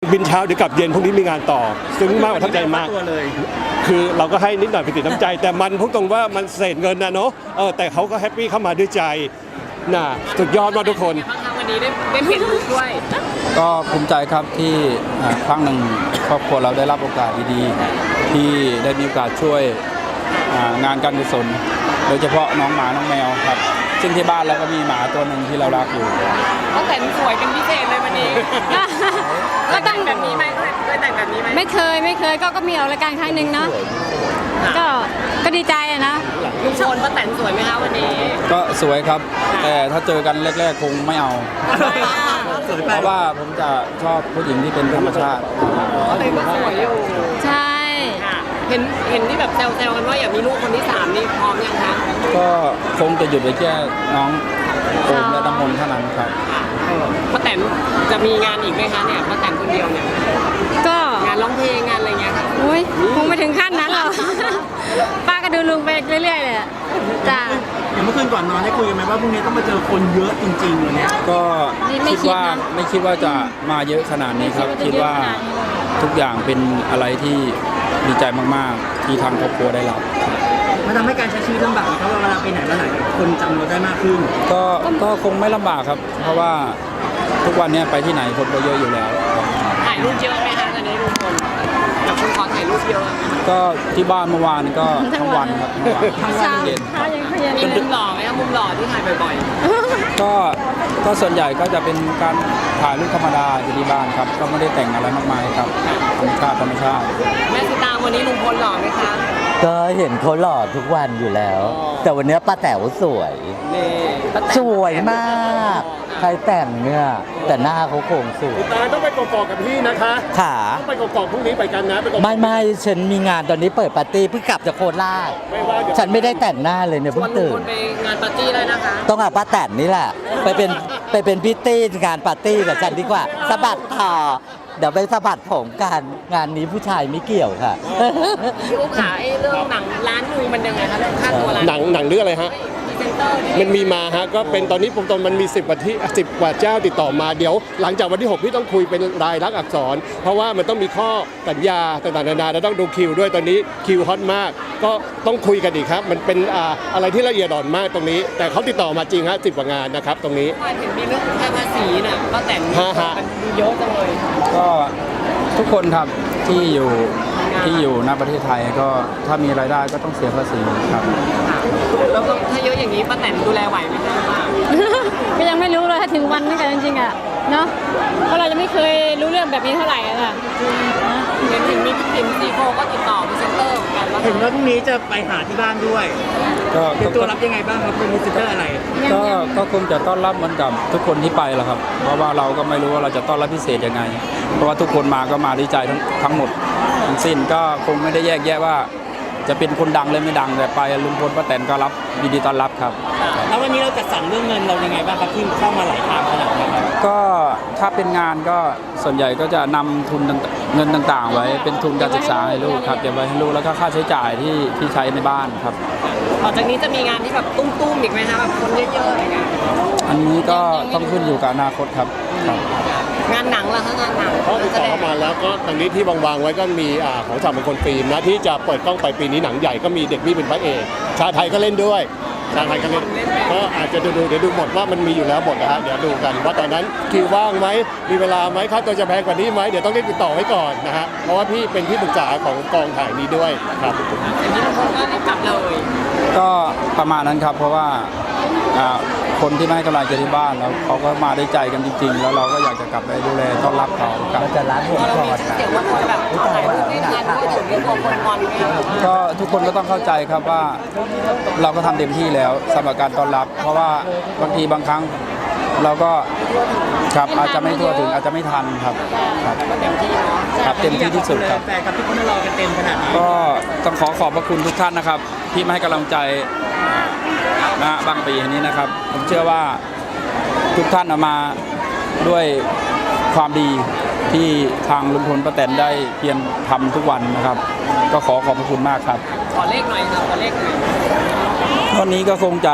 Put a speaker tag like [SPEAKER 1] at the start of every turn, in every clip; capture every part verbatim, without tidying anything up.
[SPEAKER 1] บินเช้าเดี๋ยวกลับเย็นพรุ่งนี้มีงานต่อซึ้งมากประทับใจมากคือเราก็ให้นิดหน่อยเป็นติดน้ำใจแต่มันพูดตรงว่ามันเศษเงินนะเนาะเออแต่เขาก็แฮปปี้เข้ามาด้วยใจน่ะสุดยอดมากทุกคน
[SPEAKER 2] วันนี้ได้ได้เปลี่ยนลุคด้วย
[SPEAKER 3] ก็ภูมิใจครับที่ครั้งหนึ่งครอบครัวเราได้รับโอกาสดีๆที่ได้มีโอกาสช่วยงานการกุศลโดยเฉพาะน้องหมาน้องแมวครับซึ่งที่บ้านเราก็มีหมาตัวหนึ่งที่เรารักอยู่
[SPEAKER 2] ก็แต่งสวยเป็นพิเศษเลยวันนี้ก็แต่งแบบนี้ไหมเคยแต่งแบบนี้ไหม
[SPEAKER 4] ไม่เคยไม่เคยก็ก็มีออกรายการครั้งหนึ่งเนาะก็ก็ดีใจอะนะ
[SPEAKER 2] ลุงพลป้าแตนสวยไหมคะวันนี้
[SPEAKER 3] ก็สวยครับแต่ถ้าเจอกันแรกๆคงไม่เอาเพราะว่าผมจะชอบผู้หญิงที่เป็นธรรมชาติ
[SPEAKER 2] ก็เลยก็สวยอยู่
[SPEAKER 4] ใช่
[SPEAKER 2] เห็นเห็นที่แบบแซวๆกันว่าอยากมีลูกคนที่สามนี่พร้อมยังคะ
[SPEAKER 3] ก็คงจะหยุดไปแค่น้องโอมและน้ำมนต์เท่านั้นครับ
[SPEAKER 2] ป้าแตนจะมีงานอีกไหมคะเนี่ยป้าแตนคนเดียวเนี่ย
[SPEAKER 4] ก็
[SPEAKER 2] งานร้องเพลงงานอะไรเงี้ยค่ะ
[SPEAKER 4] อุ้ยคงไม่ถึงขั้นนั้นหรอกป้าก็ดูลุงไปเรื่อยๆเลยจ้า
[SPEAKER 5] อย่างเมื่อคืนก่อนนอนได้คุยกันไหมว่าพรุ่งนี้ต้องมาเจอคนเยอะจริงๆวันนี้
[SPEAKER 3] ก็คิดว่าไม่คิดว่าจะมาเยอะขนาดนี้ครับคิดว่าทุกอย่างเป็นอะไรที่ดีใจมากๆที่ทางครอบครัวได้รับ
[SPEAKER 5] มันทำให้การใช้ชีวิตลำบากเพราะเวลาไปไหนมาไหนคนจำเราได้มากขึ้น
[SPEAKER 3] ก็ก็คงไม่ลำบากครับ เพราะว่าทุกวันนี้ไปที่ไหนคนก็เยอะอยู่แล้ว
[SPEAKER 2] ถ่ายรูปเยอะไหมคะตอนนี้ลุงพลกับคุณขอถ่ายรูปเยอะ
[SPEAKER 3] ก็ที่บ้านเมื่อวานก็ทั้งวันครับทั้งวัน
[SPEAKER 4] เย็น
[SPEAKER 2] มีมุมหล่อไหมครับมุมหล่อที่ถ่ายบ่อย
[SPEAKER 3] ๆก็ก็ส่วนใหญ่ก็จะเป็นการถ่ายรูปธรรมดาอยู่ที่บ้านครับก็ไม่ได้แต่งอะไรมากมายครับธรรมชาติธรรมชาติ
[SPEAKER 2] แม่สิตาวันนี้ลุงพลหล่อไหมคะ
[SPEAKER 6] ก็เห็นเขาหล่อทุกวันอยู่แล้ว แต่วันนี้ป้าแต๋วสวยสวยมากใครแต่งเนี่ยแต่หน้าเขาโครงสวย
[SPEAKER 1] ตาต้องไปกอกกับพี่นะคะ
[SPEAKER 6] ขา
[SPEAKER 1] ต้องไปกอกพรุ่งนี้ไปกันนะไป
[SPEAKER 6] ไม่ไม่ฉันมีงานตอนนี้เปิดปาร์ตี้เพิ่งกลับจากโคราชฉันไม่ได้แต่งหน้าเลยเนี่ยเพิ่งตื่น
[SPEAKER 2] ไปงานปาร์ตี้ได้นะคะ
[SPEAKER 6] ต้องเอาป้าแต๋วนี่แหละไปเป็นไปเป็นพิตตี้งานปาร์ตี้กับฉันดีกว่าสะบัดต่อเดี๋ยวไปสะบัดผมกันงานนี้ผู้ชายไม่เกี่ยวค่ะ
[SPEAKER 2] พี่อุ๊บขาไอ้เรื่องหนังร้านนึงมันยังไงคะเรื่องค่าตัวร้าน
[SPEAKER 1] หนังหนังเรื่องอะไรฮะมันมีมาฮะก็เป็นตอนนี้ผมตอนมันมีสิบกว่าที่สิบกว่าเจ้าติดต่อมาเดี๋ยวหลังจากวันที่หกพี่ต้องคุยเป็นรายลักษณ์อักษรเพราะว่ามันต้องมีข้อสัญญาต่างๆนานาแล้วต้องดูคิวด้วยตอนนี้คิวฮอตมากก็ต้องคุยกันอีกครับมันเป็นอะไรที่ละเอียดอ่อนมากตรงนี้แต่เขาติดต่อมาจริงฮะสิบกว่างานนะครับตรงนี้
[SPEAKER 2] เห็นมีเรื่องค่าภาษีน่ะก็แต่งมันเยอะจังเลย
[SPEAKER 3] ก็ทุกคนครับที่อยู่ที่อยู่ณประเทศไทยก็ถ้ามีรายได้ก็ต้องเสียภาษีครับ
[SPEAKER 2] แล้วก็ถ้าเยอะอย่างนี้ป้าแตนดูแลไหวไหมคะ
[SPEAKER 4] ก็ยังไม่รู้เลยถ้าถึงวันนี้กันจริงๆอ่ะเนาะเพราะเราจะไม่เคยรู้เรื่องแบบนี้เท่าไหร่อ่ะ
[SPEAKER 2] เห็นถึงมีพี่ติ๋มซีโฟก็ติดต่อพรีเซนเตอร์กัน
[SPEAKER 5] เห็นว่าพรุ่งนี้จะไปหาที่บ้านด้วยก็เป็นตัวรับยังไงบ้างครับเป็นพรีเซนเตอร์อะไร
[SPEAKER 3] ก็ก็คงจะต้อนรับเหมือนกับทุกคนที่ไปแหละครับเพราะว่าเราก็ไม่รู้ว่าเราจะต้อนรับพิเศษยังไงเพราะว่าทุกคนมาก็มาด้วยใจทั้งทั้งหมดทั้งสิ้นก็คงไม่ได้แยกแยะว่าจะเป็นคนดังเลยไม่ดังแต่ไปลุงพลป้าแตนก็รับยินดีต้อนรับครับ
[SPEAKER 5] แล้ววันนี้เราจัดสรรเรื่องเงินเรายังไงบ้างครับที่เข้ามาหลายทางขนาดนี้
[SPEAKER 3] ก็ถ้าเป็นงานก็ส่วนใหญ่ก็จะนำทุนเงินต่างๆไว้เป็นทุนการศึกษาให้ลูกครับเก็บไว้ให้ลูกแล้วก็ค่าใช้จ่ายที่ที่ใช้ในบ้านครับ
[SPEAKER 2] ต่อจากนี้จะมีงานที่แบบตุ้มๆอีกไหมคะแบบคนเยอะๆอะไรเงี้ย
[SPEAKER 3] อันนี้ก็ต้องขึ้นอยู่กับอนาคตครับ
[SPEAKER 2] งานหนังล่ะคะงานหนัง
[SPEAKER 1] เขาติดต่อเข้ามาแล้วก็ตอนนี้ที่วางๆไว้ก็มีของสามมงคลฟิล์มนะที่จะเปิดกล้องไปปีนี้หนังใหญ่ก็มีเด็กมี่เป็นพระเอกชาไทยก็เล่นด้วยชาไทยก็เล่นก็อาจจะดูเดี๋ยวดูหมดว่ามันมีอยู่แล้วหมดนะฮะเดี๋ยวดูกันว่าตอนนั้นคิวว่างไหมมีเวลาไหมค่าตัวจะแพงกว่านี้ไหมเดี๋ยวต้องรีบติดต่อไว้ก่อนนะฮะเพราะว่าพี่เป็นที่ปรึกษาของกองถ่ายนี้ด้วยครับ
[SPEAKER 2] อย่างนี้ทุกคนก็กลับเลย
[SPEAKER 3] ก็ประมาณนั้นครับเพราะว่าคนที่ไม่ให้กำลังใจที่บ้านแล้วเขาก็มาได้ใจกันจริงๆแล้วเราก็อยากจะกลับไปดูแลต้อนรับเขา
[SPEAKER 6] กลับจะร้านผมก่อน
[SPEAKER 2] เสียงว่าคนแบบถ่ายรูปไม่ทันก็ถึงมีคนคนงอน
[SPEAKER 3] ก็ทุกคนก็ต้องเข้าใจครับว่าเราก็ทำเต็มที่แล้วสำหรับการต้อนรับเพราะว่าบางทีบางครั้งเราก็ครับอาจจะไม่ทั่วถึงอาจจะไม่ทันครับครับ
[SPEAKER 2] เต็มที่เนาะ
[SPEAKER 3] ครับเต็มที่ที่สุดครับ
[SPEAKER 5] แฟนกับทุกคนรอกันเต็มขนาดนี้
[SPEAKER 3] ก็ต้องขอขอบพระคุณทุกท่านนะครับที่มาให้กำลังใจนะบางปีนี้นะครับผมเชื่อว่าทุกท่านเอามาด้วยความดีที่ทางลุงพลป้าแตนได้เพียรทำทุกวันนะครับก็ขอขอบพระคุณมากครับ
[SPEAKER 2] ขอเลขหน่อยครับขอเลขหน่อย
[SPEAKER 3] วันนี้ก็คงจะ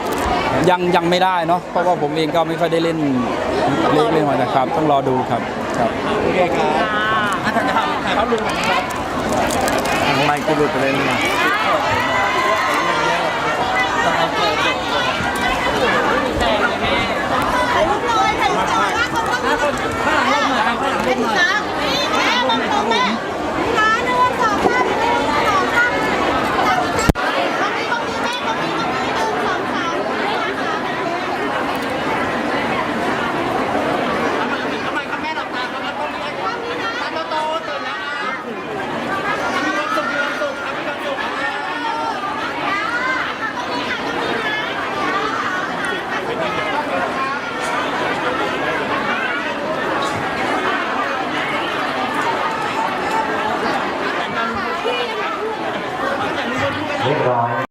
[SPEAKER 3] ยังยังไม่ได้เนาะเพราะว่าผมเองก็ไม่ค่อยได้เล่นเลขเล่นมานะครับต้องรอดูครับ
[SPEAKER 1] ครับ
[SPEAKER 5] โอเคครับอ่ะถ่ายภาพถ่ายภาพรวมกันนะครับ
[SPEAKER 6] ไม่ก็หลุดไปเลยนี่
[SPEAKER 2] แต่งเลยแม่